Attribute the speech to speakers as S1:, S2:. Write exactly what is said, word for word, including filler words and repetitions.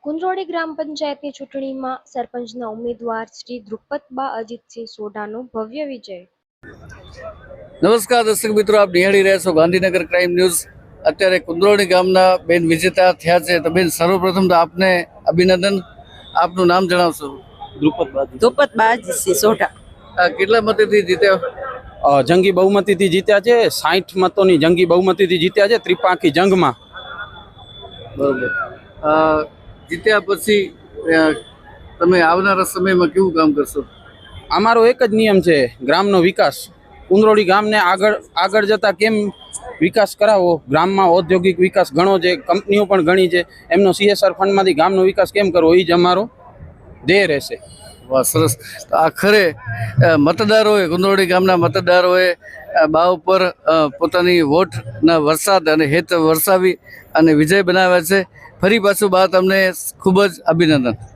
S1: કુંજોડી ગ્રામ પંચાયતની ચૂંટણીમાં સરપંચના ઉમેદવાર શ્રી દ્રુપદબા અજીતસિંહ સોઢાનો ભવ્ય વિજય।
S2: નમસ્કાર દર્શક મિત્રો, આપ નિહાળી રહ્યા છો ગાંધીનગર ક્રાઇમ ન્યૂઝ। અત્યારે કુંજોડી ગામના બેન વિજેતા થયા છે। તો બેન, સર્વપ્રથમ તો આપને અભિનંદન। આપનું નામ જણાવશો?
S3: દ્રુપદબા
S4: દ્રુપદબા અજીતસિંહ સોઢા।
S2: આ કેટલા મતથી જીત્યા?
S3: જંગી બહુમતીથી જીત્યા છે। સાઠ મતોની જંગી બહુમતીથી જીત્યા છે ત્રિપાંખી જંગમાં।
S2: બરોબર। આ જીત્યા પછી અ, તમે આવનારા સમયમાં કેવું કામ કરશો?
S3: અમારો એક જ નિયમ છે, ગ્રામનો વિકાસ। કુંદરોળી ગામને આગળ આગળ જતા કેમ વિકાસ કરાવવો, ગામમાં ઔદ્યોગિક વિકાસ ઘણો છે, કંપનીઓ પણ ઘણી છે, એમનો સીએસઆર ફંડમાંથી ગામનો વિકાસ કેમ કરવો, એ જ અમારો ધ્યેય રહેશે।
S2: વાહ, સરસ। તો આખરે અ, મતદારોએ, કુંદરોળી ગામના મતદારોએ અ, બા ઉપર અ, પોતાની વોટના વરસાદ અને હેત વરસાવી અને વિજય બનાવ્યા છે। ફરી પાછું બા તમને ખૂબ જ અભિનંદન।